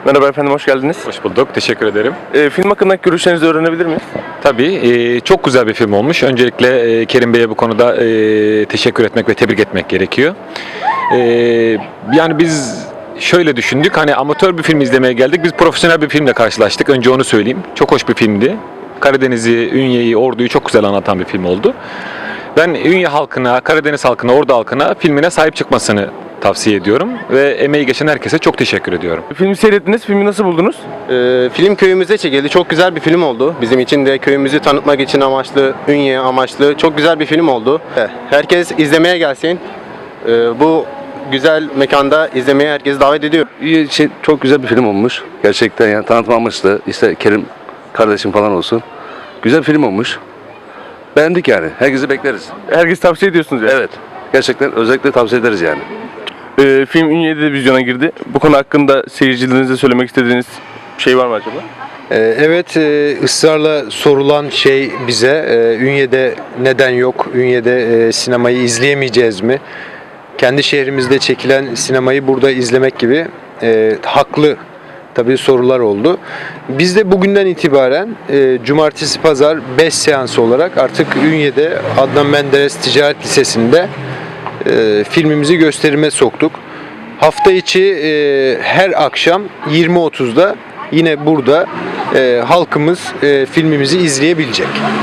Merhaba efendim, hoş geldiniz. Hoş bulduk, teşekkür ederim. Film hakkındaki görüşlerinizi öğrenebilir miyiz? Tabii, çok güzel bir film olmuş. Öncelikle Kerim Bey'e bu konuda teşekkür etmek ve tebrik etmek gerekiyor. E, Yani biz şöyle düşündük, hani amatör bir film izlemeye geldik, biz profesyonel bir filmle karşılaştık. Önce onu söyleyeyim. Çok hoş bir filmdi. Karadeniz'i, Ünye'yi, Ordu'yu çok güzel anlatan bir film oldu. Ben Ünye halkına, Karadeniz halkına, Ordu halkına filmine sahip çıkmasını tavsiye ediyorum ve emeği geçen herkese çok teşekkür ediyorum. Filmi seyrettiniz, filmi nasıl buldunuz? Film köyümüzde çekildi. Çok güzel bir film oldu. Bizim için de köyümüzü tanıtmak için amaçlı, Ünye amaçlı çok güzel bir film oldu. Herkes izlemeye gelsin. Bu güzel mekanda izlemeye herkesi davet ediyor. Çok güzel bir film olmuş. Gerçekten yani tanıtma amaçlı. İşte Kerim kardeşim falan olsun. Güzel bir film olmuş. Beğendik yani. Herkesi bekleriz. Herkes tavsiye ediyorsunuz yani. Evet. Gerçekten özellikle tavsiye ederiz yani. Film Ünye'de de vizyona girdi. Bu konu hakkında seyircilerinize söylemek istediğiniz bir şey var mı acaba? Evet, ısrarla sorulan şey bize Ünye'de neden yok? Ünye'de sinemayı izleyemeyeceğiz mi? Kendi şehrimizde çekilen sinemayı burada izlemek gibi haklı tabii sorular oldu. Biz de bugünden itibaren cumartesi pazar 5 seans olarak artık Ünye'de Adnan Menderes Ticaret Lisesi'nde filmimizi gösterime soktuk. Hafta içi her akşam 20.30'da yine burada halkımız filmimizi izleyebilecek.